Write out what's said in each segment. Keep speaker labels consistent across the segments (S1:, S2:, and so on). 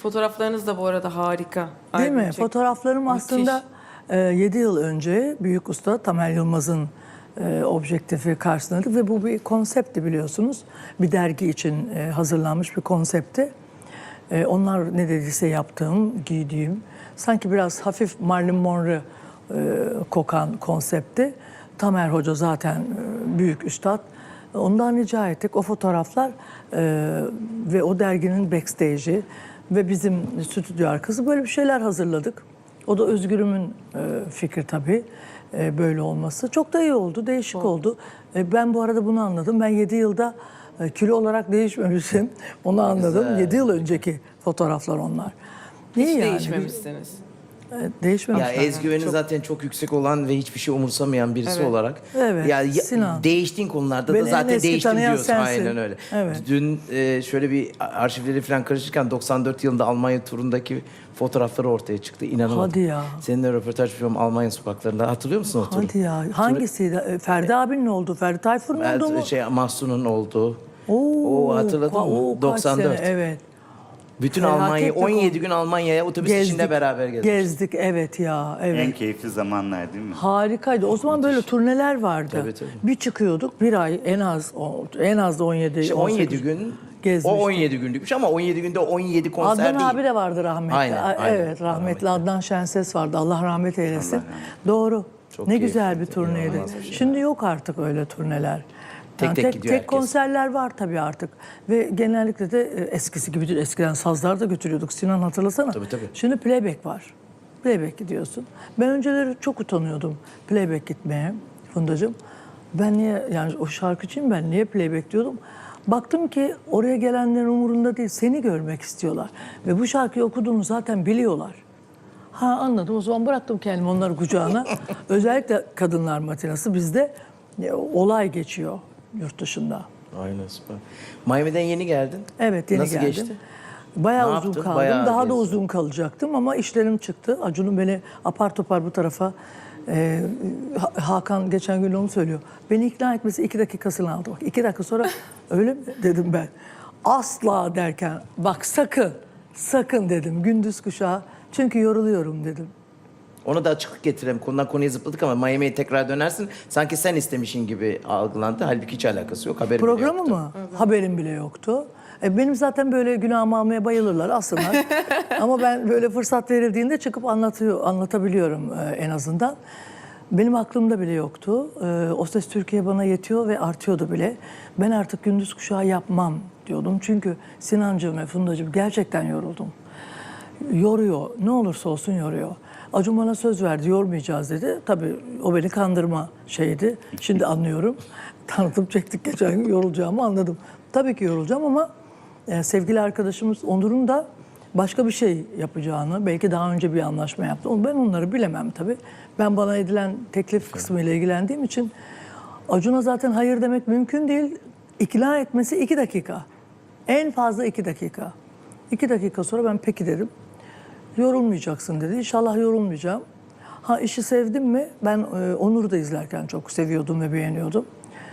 S1: Fotoğraflarınız da bu arada harika.
S2: Değil mi?
S1: Albüm çek-
S2: Fotoğraflarım
S1: Müthiş.
S2: aslında 7 yıl önce büyük usta Tamer Yılmaz'ın objektifi karşısındaydık ve bu bir konseptti biliyorsunuz. Bir dergi için hazırlanmış bir konseptti. Onlar ne dediyse yaptığım, giydiğim, sanki biraz hafif Marilyn Monroe kokan konseptti. Tamer Hoca zaten büyük üstad. Ondan rica ettik. O fotoğraflar ve o derginin backstage'i ve bizim stüdyo arkası böyle bir şeyler hazırladık. O da Özgür'ümün fikri tabii böyle olması. Çok da iyi oldu, değişik oldu. Ben bu arada bunu anladım. Ben 7 yılda kilo olarak değişmemişim. Onu anladım.
S3: Güzel.
S2: 7 yıl önceki fotoğraflar onlar.
S1: Hiç
S2: İyi yani.
S1: değişmemişsiniz.
S2: Değişmemiş.
S3: Ya özgüveni zaten çok yüksek olan ve hiçbir şey umursamayan birisi
S1: Evet.
S3: olarak.
S2: Evet,
S3: Ya,
S2: Sinan.
S3: değiştiğin konularda
S2: Beni
S3: da
S2: en
S3: zaten
S2: eski
S3: değiştim
S2: tanıyan
S3: diyorsun.
S2: sensin.
S3: Aynen öyle.
S2: Evet.
S3: Dün şöyle bir arşivleri falan karışırken 94 yılında Almanya turundaki fotoğrafları ortaya çıktı. İnanamadım.
S2: Hadi ya.
S3: Seninle röportaj yapıyorum Almanya sokaklarında. Hatırlıyor musun o turu?
S2: Hadi ya. Hangisiydi? Ferdi abinin oldu. Ferdi Tayfur'un oldu mu?
S3: Mahsun'un olduğu.
S2: Oo,
S3: O hatırladın mı?
S2: oo, kaç
S3: 94.
S2: sene, evet.
S3: Bütün
S2: Felaket
S3: Almanya,
S2: bir
S3: 17 gün Almanya'ya otobüs içinde beraber gezdik.
S2: Gezdik, evet ya. Evet.
S4: En keyifli zamanlar değil mi?
S2: Harikaydı. O zaman böyle turneler vardı.
S3: Tabii, tabii.
S2: Bir çıkıyorduk bir ay en az da 17.
S3: İşte 17
S2: 18
S3: gün,
S2: gezmiştik.
S3: o 17 günlükmüş ama 17 günde 17 konser
S2: Adnan
S3: değil.
S2: abi de vardı rahmetli.
S3: Aynen, aynen.
S2: Evet, rahmetli Adnan Şenses vardı. Allah rahmet eylesin.
S4: Allah rahmet
S2: Doğru.
S3: Çok
S2: ne güzel bir
S3: keyifliydi,
S2: turneydi.
S3: inanılmaz bir şey.
S2: Şimdi yok artık öyle turneler.
S3: Tek tek gidiyor herkes.
S2: konserler var tabii artık. Ve genellikle de eskisi gibi değil. Eskiden sazlar da götürüyorduk. Sinan hatırlasana.
S3: Tabii, tabii.
S2: Şimdi playback var. Playback gidiyorsun. Ben önceleri çok utanıyordum playback gitmeye Fundacığım. Ben niye, yani o şarkıcıyım ben, niye playback diyordum. Baktım ki oraya gelenlerin umurunda değil, seni görmek istiyorlar. Ve bu şarkıyı okuduğunu zaten biliyorlar. Ha, anladım, o zaman bıraktım kendimi onların kucağına. Özellikle kadınlar matinası bizde olay geçiyor yurt dışında.
S3: Aynen, süper. Miami'den yeni geldin.
S2: Evet, yeni
S3: Nasıl
S2: geldim.
S3: geçti?
S2: Bayağı
S3: Ne
S2: uzun
S3: yaptın?
S2: kaldım.
S3: Bayağı
S2: Daha da
S3: gezdin.
S2: uzun kalacaktım ama işlerim çıktı. Acun'un beni apar topar bu tarafa... Hakan geçen gün onu söylüyor. Beni ikna etmesi 2 dakikasını aldı. Bak 2 dakika sonra öyle mi dedim ben. Asla derken bak sakın dedim gündüz kuşağı. Çünkü yoruluyorum dedim.
S3: Ona da açıklık getirelim. Konudan konuya zıpladık ama Miami'ye tekrar dönersin. Sanki sen istemişin gibi algılandı. Halbuki hiç alakası yok. Haberim bile
S2: Programı
S3: yoktu.
S2: mı? Haberim bile yoktu. Benim zaten böyle günahımı almaya bayılırlar aslında. Ama ben böyle fırsat verildiğinde çıkıp anlatabiliyorum en azından. Benim aklımda bile yoktu. O Ses Türkiye bana yetiyor ve artıyordu bile. Ben artık gündüz kuşağı yapmam diyordum. Çünkü Sinancığım ve Fundacığım gerçekten yoruldum. Yoruyor. Ne olursa olsun yoruyor. Acun bana söz verdi, yormayacağız dedi. Tabii o beni kandırma şeydi. Şimdi anlıyorum. Tanıtım çektik geçen gün, yorulacağımı anladım. Tabii ki yorulacağım ama sevgili arkadaşımız Onur'un da başka bir şey yapacağını, belki daha önce bir anlaşma yaptı. Ben onları bilemem tabii. Ben bana edilen teklif kısmıyla ilgilendiğim için Acun'a zaten hayır demek mümkün değil. İkna etmesi 2 dakika. En fazla 2 dakika. 2 dakika sonra ben peki dedim. Yorulmayacaksın dedi. İnşallah yorulmayacağım. Ha, işi sevdim mi? Ben Onur'u da izlerken çok seviyordum ve beğeniyordum.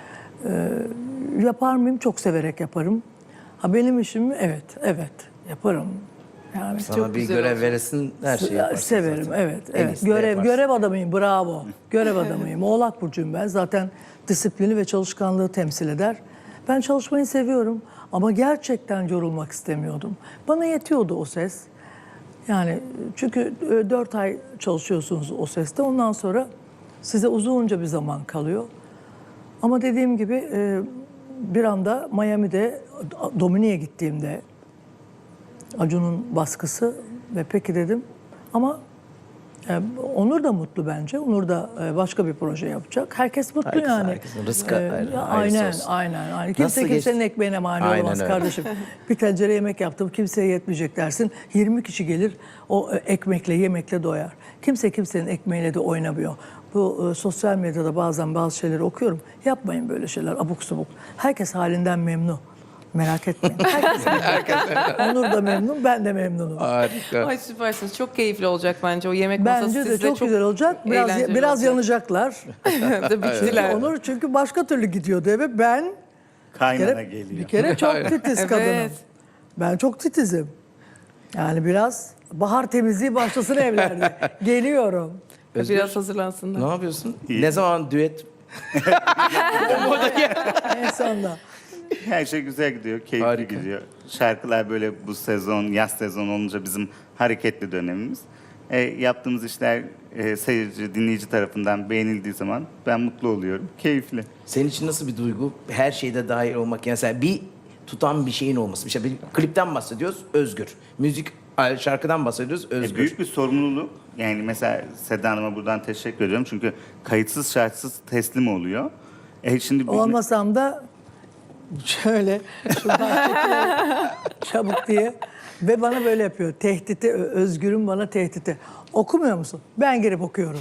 S2: Yapar mıyım? Çok severek yaparım. Ha, benim işim mi? Evet yaparım. Yani
S3: Sana bir görev veresin, her şeyi yaparsın
S2: severim,
S3: zaten.
S2: evet.
S3: En
S2: Evet.
S3: iyisini de yaparsın.
S2: Görev adamıyım, bravo. Görev adamıyım. Oğlak burcuyum ben. Zaten disiplini ve çalışkanlığı temsil eder. Ben çalışmayı seviyorum ama gerçekten yorulmak istemiyordum. Bana yetiyordu o ses. Yani çünkü 4 ay çalışıyorsunuz o seste. Ondan sonra size uzunca bir zaman kalıyor. Ama dediğim gibi bir anda Miami'de Domini'ye gittiğimde Acun'un baskısı ve peki dedim. Ama Onur da mutlu bence. Onur da başka bir proje yapacak. Herkes mutlu
S3: Herkes,
S2: yani.
S3: herkesin rızkı hayırlısı
S2: Aynen,
S3: olsun.
S2: aynen.
S3: Nasıl
S2: Kimse
S3: geçti?
S2: kimsenin ekmeğine mani
S3: Aynen
S2: olamaz
S3: öyle.
S2: kardeşim. Bir tencere yemek yaptım, kimseye yetmeyecek dersin. 20 kişi gelir, o ekmekle, yemekle doyar. Kimse kimsenin ekmeğiyle de oynamıyor. Bu sosyal medyada bazen bazı şeyleri okuyorum. Yapmayın böyle şeyler, abuk subuk. Herkes halinden memnun. Merak etmeyin. Herkes memnun. Onur da memnun, ben de memnunum.
S3: Harika.
S1: Ay süpersiniz. Çok keyifli olacak bence o yemek masası
S2: Bence de
S1: sizde
S2: çok güzel olacak.
S1: eğlenceli
S2: Biraz
S1: olacak.
S2: yanacaklar.
S1: Da bittiler.
S2: Onur çünkü başka türlü gidiyordu eve. Ben
S4: Kaynana
S2: bir
S4: geliyor.
S2: kere çok titiz kadınım.
S1: Evet.
S2: Ben çok titizim. Yani biraz bahar temizliği başlasın evlerde. Geliyorum.
S3: Özgür,
S1: Biraz hazırlansınlar.
S3: ne yapıyorsun?
S4: İyi.
S3: Ne zaman düet?
S2: En sonunda.
S4: Her şey güzel gidiyor, keyifli
S3: Harika.
S4: gidiyor. Şarkılar böyle bu sezon, yaz sezonu olunca bizim hareketli dönemimiz. Yaptığımız işler seyirci, dinleyici tarafından beğenildiği zaman ben mutlu oluyorum. Keyifli.
S3: Senin için nasıl bir duygu? Her şeyde dahil olmak. Yani sen bir tutan bir şeyin olması. İşte bir klipten bahsediyoruz, Özgür. Müzik, şarkıdan bahsediyoruz, Özgür.
S4: Büyük bir sorumluluk. Yani mesela Seda Hanım'a buradan teşekkür ediyorum. Çünkü kayıtsız şartsız teslim oluyor. Şimdi biz-
S2: Olmasam da şöyle şuradan çekiyorum çabuk diye. Ve bana böyle yapıyor. Tehditi, Özgür'ün bana tehditi. Okumuyor musun? Ben girip okuyorum.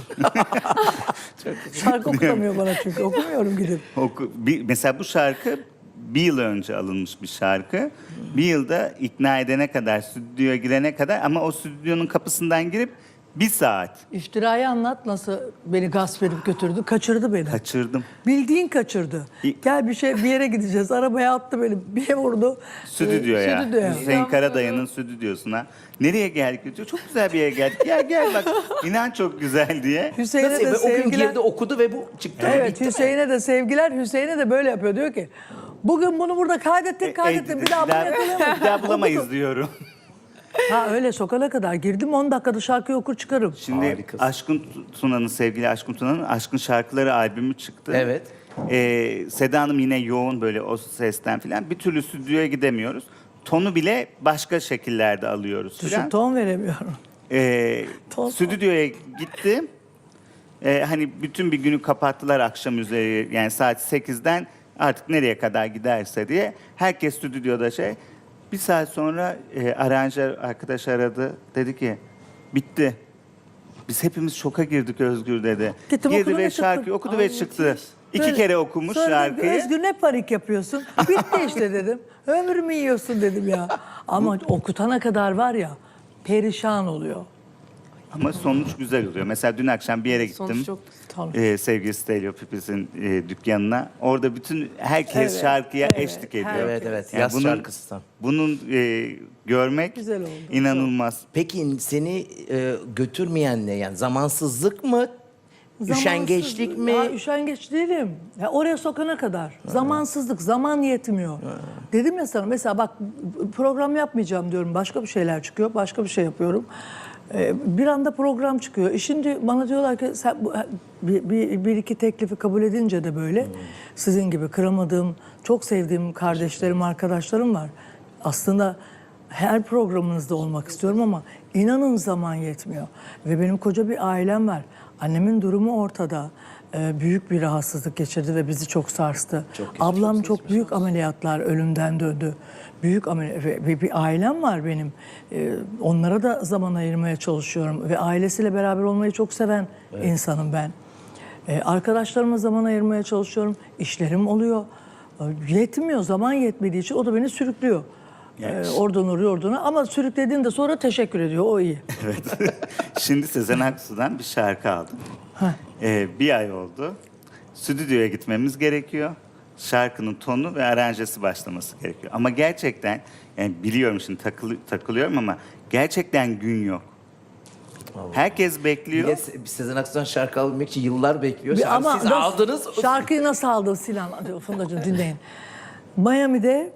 S2: Şarkı okutamıyor bana çünkü. Okumuyorum gidip.
S4: Mesela bu şarkı bir yıl önce alınmış bir şarkı. Bir yılda ikna edene kadar, stüdyoya girene kadar ama o stüdyonun kapısından girip bir saat
S2: İftirayı anlat, nasıl beni gasp edip götürdü. Kaçırdı beni.
S4: kaçırdım.
S2: Bildiğin kaçırdı. Gel bir yere gideceğiz. Arabaya attı beni. Bir vurdu.
S4: Stüdyoya.
S2: Stüdyoya.
S4: Hüseyin Karadayı'nın stüdyosuna. Nereye geldik diyor. Çok güzel bir yere geldik. Gel bak inan çok güzel diye.
S2: Hüseyin'e
S3: Nasıl?
S2: de
S3: Ve o gün
S2: sevgiler.
S3: girdi okudu ve bu çıktı.
S2: Evet,
S3: Bitti mi?
S2: Hüseyin'e de sevgiler. Hüseyin'e de böyle yapıyor. Diyor ki bugün bunu burada kaydettik. Bir daha bunu yakalayamayız.
S4: bir daha bulamayız diyorum.
S2: Ha öyle sokana kadar girdim 10 dakikada şarkıyı okur çıkarım.
S4: Şimdi
S3: Harikasın.
S4: Aşkın Tuna'nın, sevgili Aşkın Tuna'nın Aşkın Şarkıları albümü çıktı.
S3: Evet.
S4: Seda Hanım yine yoğun böyle o sesten filan. Bir türlü stüdyoya gidemiyoruz. Tonu bile başka şekillerde alıyoruz
S2: Düşün
S4: filan.
S2: ton veremiyorum. Ton-
S4: Stüdyoya gitti. Hani bütün bir günü kapattılar akşam üzeri, yani saat 8'den artık nereye kadar giderse diye. Herkes stüdyoda bir saat sonra aranjör arkadaş aradı. Dedi ki bitti. Biz hepimiz şoka girdik Özgür dedi.
S2: Gittim,
S4: Girdi
S2: okudum
S4: ve
S2: ve çıktım.
S4: şarkıyı okudu
S3: Ay,
S4: ve çıktı.
S3: müthiş.
S4: 2 kere okumuş
S2: Sonra
S4: şarkıyı.
S2: Özgür ne panik yapıyorsun? Bitti işte dedim. Ömrümü yiyorsun dedim ya. Ama okutana kadar var ya perişan oluyor.
S4: Ama sonuç güzel oluyor. Mesela dün akşam bir yere gittim.
S1: Sonuç çok
S2: Tabii.
S4: Sevgili Stelio Pipis'in dükkanına. Orada bütün herkes
S2: Evet,
S4: şarkıya
S2: evet,
S4: eşlik ediyor.
S3: Evet evet.
S4: Yani
S3: Yaz şarkısı tam.
S4: Bunun görmek
S2: Güzel oldu.
S4: inanılmaz.
S3: Peki seni götürmeyen ne? Yani zamansızlık mı? Üşengeçlik
S2: Zamansız-
S3: mi?
S2: Ya, üşengeç değilim. Ya, oraya sokana kadar. Zamansızlık, zaman yetmiyor. Dedim ya sana mesela bak program yapmayacağım diyorum. Başka bir şeyler çıkıyor. Başka bir şey yapıyorum. Bir anda program çıkıyor. Şimdi bana diyorlar ki sen bir iki teklifi kabul edince de böyle sizin gibi kıramadığım, çok sevdiğim kardeşlerim, arkadaşlarım var. Aslında her programınızda olmak istiyorum ama inanın zaman yetmiyor. Ve benim koca bir ailem var. Annemin durumu ortada. Büyük bir rahatsızlık geçirdi ve bizi çok sarstı. Ablam çok büyük ameliyatlar, ölümden döndü. Büyük bir ailem var benim. Onlara da zaman ayırmaya çalışıyorum. Ve ailesiyle beraber olmayı çok seven insanım ben. Arkadaşlarıma zaman ayırmaya çalışıyorum. İşlerim oluyor. Yetmiyor, zaman yetmediği için o da beni sürüklüyor. Oradan oraya oradan ama sürüklediğinde sonra teşekkür ediyor, o iyi.
S4: Şimdi Sezen Aksu'dan bir şarkı aldım. Bir ay oldu. Stüdyoya gitmemiz gerekiyor. Şarkının tonu ve aranjesi başlaması gerekiyor. Ama gerçekten, yani biliyorum şimdi takılıyorum ama gerçekten gün yok. Herkes
S3: Bir
S4: bekliyor.
S3: de Sezen Aksu'dan şarkı alabilmek için yıllar bekliyor. Siz
S2: nasıl-
S3: aldınız.
S2: Şarkıyı nasıl aldın Sinan? Hadi Fundacığım dinleyin. Miami'de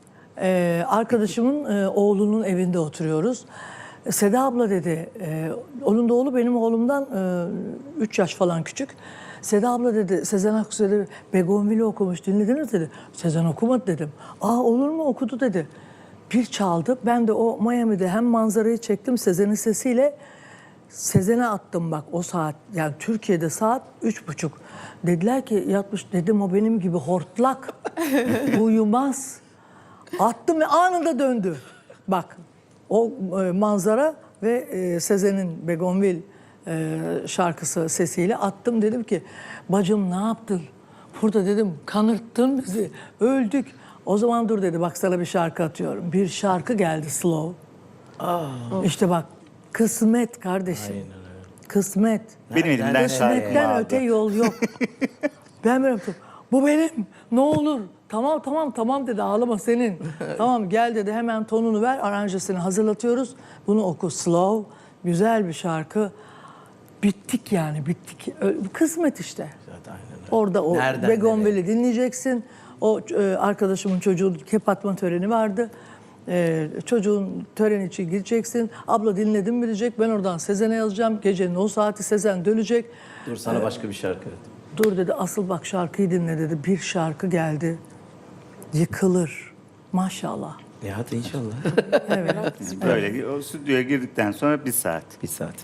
S2: arkadaşımın oğlunun evinde oturuyoruz. Seda abla dedi, onun da oğlu benim oğlumdan 3 yaş falan küçük. Seda abla dedi, Sezen Aksu dedi, Begonvil'i okumuş, dinlediniz dedi. Sezen okumadı dedim. Aa olur mu, okudu dedi. Bir çaldı, ben de o Miami'de hem manzarayı çektim Sezen'in sesiyle, Sezen'e attım bak o saat. Yani Türkiye'de saat 3.30. Dediler ki yatmış, dedim o benim gibi hortlak, uyumaz. Attım ve anında döndü. Bak o manzara ve Sezen'in Begonvil şarkısı sesiyle attım. Dedim ki bacım ne yaptın? Burada dedim kanırttın bizi. Öldük. O zaman dur dedi bak sana bir şarkı atıyorum. Bir şarkı geldi slow. İşte bak kısmet kardeşim. Kısmet.
S4: Benim elimden şarkı
S2: Kısmetten
S4: aldı.
S2: öte yol yok. Ben böyle yaptım. Bu benim. Ne olur. Tamam tamam tamam dedi. Ağlama senin. Tamam gel dedi. Hemen tonunu ver. Aranjesini hazırlatıyoruz. Bunu oku slow. Güzel bir şarkı. Bittik yani bittik. Kısmet işte.
S3: Zaten aynen öyle.
S2: Orada o
S3: Nereden
S2: Begonvil'i dinleyeceksin. O arkadaşımın çocuğu kapatma töreni vardı. Çocuğun töreni için gideceksin. Abla dinledim mi diyecek. Ben oradan Sezen'e yazacağım. Gecenin o saati Sezen dönecek.
S3: Dur sana başka bir şarkı.
S2: Dur dedi asıl bak şarkıyı dinle dedi. Bir şarkı geldi. Yıkılır. Maşallah.
S3: Ya hadi inşallah.
S2: Evet.
S4: Böyle o stüdyoya girdikten sonra 1 saat.
S3: Bir saat.